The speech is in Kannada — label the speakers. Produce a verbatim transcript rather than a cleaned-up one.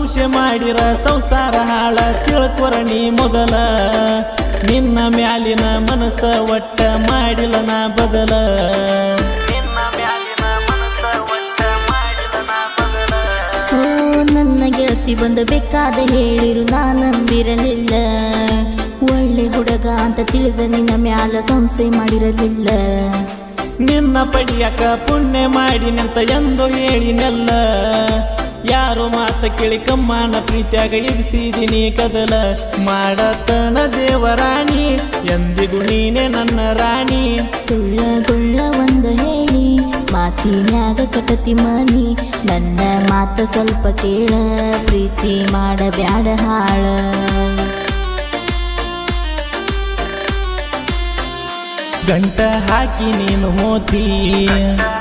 Speaker 1: ಸಂಶಯ ಮಾಡಿರ ಸಂಸಾರ ಹಾಳ ತಿಳ್ಕೊರಣಿ ಮೊದಲ ನಿನ್ನ ಮ್ಯಾಲಿನ ಮನಸ್ಸ ಒಟ್ಟ ಮಾಡಿಲ್ಲ ನಾ ಬದಲ
Speaker 2: ನನ್ನ ಗೆಳತಿ ಬಂದ ಬೇಕಾದ ಹೇಳಿರು ನಾ ನಂಬಿರಲಿಲ್ಲ ಒಳ್ಳೆ ಹುಡುಗ ಅಂತ ತಿಳಿದ ನಿನ್ನ ಮ್ಯಾಲ ಸಂಶಯ ಮಾಡಿರಲಿಲ್ಲ
Speaker 1: ನಿನ್ನ ಪಡಿಯಕ ಪುಣ್ಯ ಮಾಡಿ ನಿಂತ ಎಂದು ಹೇಳಿನೆಲ್ಲ ಯಾರು ಮಾತ ಕೇಳಿ ಕಮ್ಮನ ಪ್ರೀತಿಯಾಗ ಇರಿಸಿದಿನಿ ಕದಲ ಮಾಡತನ ದೇವರಾಣಿ ಎಂದಿಗೂ ನೀನೆ ನನ್ನ ರಾಣಿ
Speaker 2: ಸುಳ್ಳಗುಳ್ಳ ಒಂದು ಹೇಳಿ ಮಾತಿನ್ಯಾಗ ಕಟತಿ ಮನಿ ನನ್ನ ಮಾತ ಸ್ವಲ್ಪ ಕೇಳ ಪ್ರೀತಿ ಮಾಡಬ್ಯಾಡ ಹಾಳ
Speaker 1: ಗಂಟ ಹಾಕಿ ನೀನು ಮೋತಿ